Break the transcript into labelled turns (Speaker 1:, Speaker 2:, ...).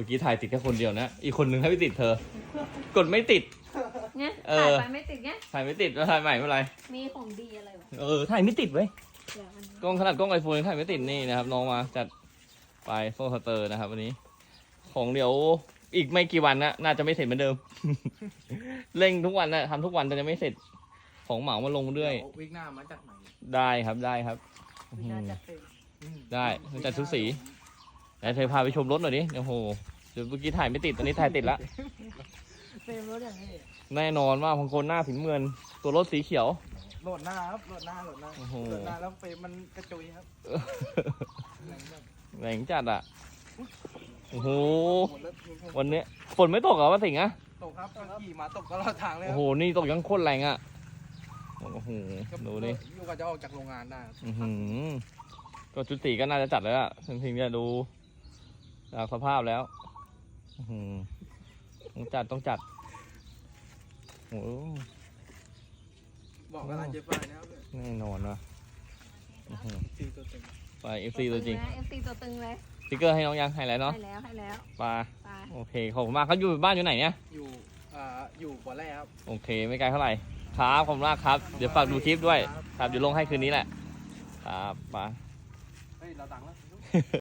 Speaker 1: มื่อกี้ถ่ายติดแค่คนเดียวนะอีกคนนึงให้ไม่ติดเธอ กดไม่ติด
Speaker 2: เนี่ยถ่ายไปไม่ติดเนี่ย
Speaker 1: ถ่ายไม่ติดแล้วถ่ายใหม่เมื่อไร
Speaker 2: มีของดีอะไรวะ
Speaker 1: ถ่ายไม่ติดเว้ย
Speaker 2: เดี๋ยวมัน
Speaker 1: กล้องขนาดกล้องไอโฟนถ่ายไม่ติดนี่นะครับน้องมาจัดไปโฟล์สเตอร์นะครับวันนี้ของเดี๋ยวอีกไม่กี่วันนะน่าจะไม่เสร็จเหมือนเดิม เร่งทุกวันนะทำทุกวันแต่จะไม่เสร็จของเหมามาลงด้วย
Speaker 3: วิกหน้ามาจากไหน
Speaker 1: ได้ครับได้ครับ
Speaker 2: วินาจัดเต็ม
Speaker 1: ได้จัดชุดสีไหนเธอพาไปชมรถหน่อยดิโอ้โหเดี๋ยวเมื่อกี้ถ่ายไม่ติดตอนนี้ถ่ายติดละ
Speaker 2: เฟรมรถอย่างนี้
Speaker 1: แน่นอนว่าบางคนหน้าผินเมือนตัวรถสีเขียว
Speaker 3: โหลดหน้าครับโหลดหน้า
Speaker 1: โอ้โห
Speaker 3: โหลดหน้าแล้วเฟรมมันกระจุยครับ
Speaker 1: แหลงจัดอ่ะโอ้โห
Speaker 3: หมดแล้ว
Speaker 1: วันนี้ฝนไม่ตกเหรอวะสิงห์อะ
Speaker 3: ตกครับก็ขี่มาตกตลอดทางเลย
Speaker 1: โอ้
Speaker 3: ค
Speaker 1: โห
Speaker 3: รับ
Speaker 1: นี่ตกยังโคตรแรงอ่ะโอ้โหดูดิ
Speaker 3: อยู่กับจะออกจากโรงงานได้ครับ
Speaker 1: อื้อหือก็ชุดสีก็น่าจะจัดแล้วอะถึงจะดูจากสภาพแล้วอื้อหือต้องจัดโอ้โห
Speaker 3: บอกว่าเจ๊ฝ้ายนะครับ
Speaker 1: แน่นอนว่ะอื้อหือ
Speaker 3: ตีตัวเต็ม
Speaker 1: ไป FC ตัวจริง
Speaker 2: เอฟซีตัวตึงเลย
Speaker 1: สติ๊กเกอร์ให้น้องยังให้แล้วเนาะ
Speaker 2: ให้แล้ว
Speaker 1: ไป
Speaker 2: ไป
Speaker 1: โอเคขอบคุณมากเขาอยู่บ้านอยู่ไหนเนี่ย
Speaker 3: อยู่บ่อแร่ครับ
Speaker 1: โอเคไม่ไกลเท่าไหร่ครับขอบคุณมากครับเดี๋ยวฝากดูคลิปด้วยครับเดี๋ยวลงให้คืนนี้แหละครับไป
Speaker 3: เฮ้ยเราดังแล้ว